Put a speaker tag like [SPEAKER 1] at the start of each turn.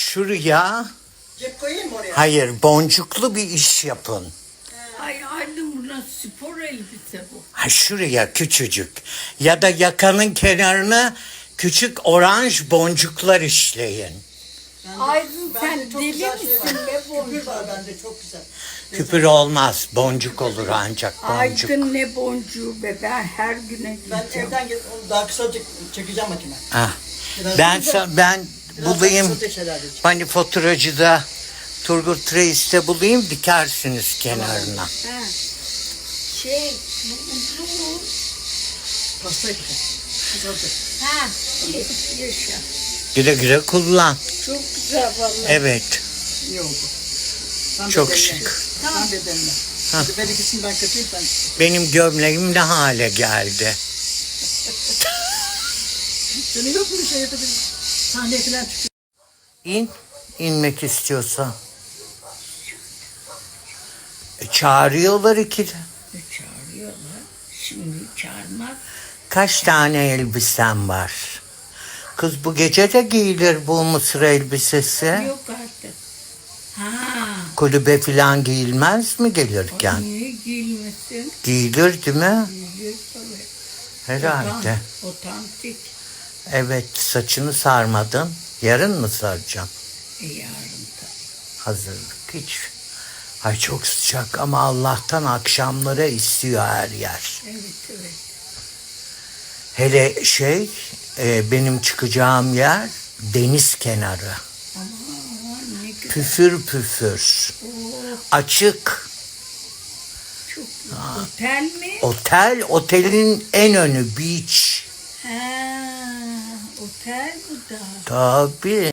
[SPEAKER 1] Şuraya
[SPEAKER 2] Cep koyayım mı oraya?
[SPEAKER 1] hayır boncuklu bir iş yapın.
[SPEAKER 3] Ay anne buna spor elbise bu.
[SPEAKER 1] Ha, şuraya küçücük ya da yakanın kenarına küçük oranj boncuklar işleyin.
[SPEAKER 3] Aydın
[SPEAKER 2] Bende
[SPEAKER 3] sen
[SPEAKER 2] çok
[SPEAKER 3] deli
[SPEAKER 2] güzel şey
[SPEAKER 3] misin
[SPEAKER 2] var.
[SPEAKER 3] be
[SPEAKER 2] Küpür
[SPEAKER 3] boncuk?
[SPEAKER 2] var bende çok güzel.
[SPEAKER 1] Küpür olmaz, boncuk olur ancak boncuk.
[SPEAKER 3] Aydın ne boncuğu be, ben her güne
[SPEAKER 2] Ben
[SPEAKER 3] gideceğim.
[SPEAKER 2] evden onu daha kısa çekeceğim makine.
[SPEAKER 1] Ah,
[SPEAKER 2] Biraz
[SPEAKER 1] ben
[SPEAKER 2] da-
[SPEAKER 1] ben
[SPEAKER 2] biraz
[SPEAKER 1] bulayım.
[SPEAKER 2] kısa şeyler diyeceğim.
[SPEAKER 1] Hani faturacıda Turgut Reis'te bulayım dikersiniz kenarına.
[SPEAKER 3] Ha. Şey, bu uzun.
[SPEAKER 2] Pasta yapacağım. Kısaltı.
[SPEAKER 3] Ha, yaşa.
[SPEAKER 1] Güle güle kullan.
[SPEAKER 3] Çok güzel vallahi.
[SPEAKER 1] Evet,
[SPEAKER 2] İyi oldu. Tam
[SPEAKER 1] çok
[SPEAKER 2] bedenine.
[SPEAKER 1] şık.
[SPEAKER 2] Tam bedenine. Hadi ben ikisini ben katayım sen.
[SPEAKER 1] Benim gömleğim ne hale geldi.
[SPEAKER 2] Senin yok mu bir şey yapabilir? Sahneye falan çıkıyor.
[SPEAKER 1] İn, inmek istiyorsan. Çağırıyorlar ikide.
[SPEAKER 3] Çağırıyorlar. Şimdi çağırmaz.
[SPEAKER 1] Kaç tane elbisen var? Kız bu gece de giyilir bu mısır elbisesi.
[SPEAKER 3] Yok artık. Ha.
[SPEAKER 1] Kulübe falan giyilmez mi gelirken?
[SPEAKER 3] Niye giyilmesin?
[SPEAKER 1] Giyilir değil mi?
[SPEAKER 3] Giyilir tabii.
[SPEAKER 1] Herhalde.
[SPEAKER 3] Otantik.
[SPEAKER 1] Evet, saçını sarmadın. Yarın mı saracaksın?
[SPEAKER 3] Yarın tabii.
[SPEAKER 1] Hazırlık hiç. Ay çok sıcak ama Allah'tan akşamlara istiyor her yer.
[SPEAKER 3] Evet evet.
[SPEAKER 1] Hele benim çıkacağım yer deniz kenarı.
[SPEAKER 3] Aman ne güzel.
[SPEAKER 1] Püfür püfür.
[SPEAKER 3] Oh,
[SPEAKER 1] Açık.
[SPEAKER 3] çok güzel. Otel mi?
[SPEAKER 1] Otelin en önü beach.
[SPEAKER 3] Ha, otel bu da.
[SPEAKER 1] Tabii.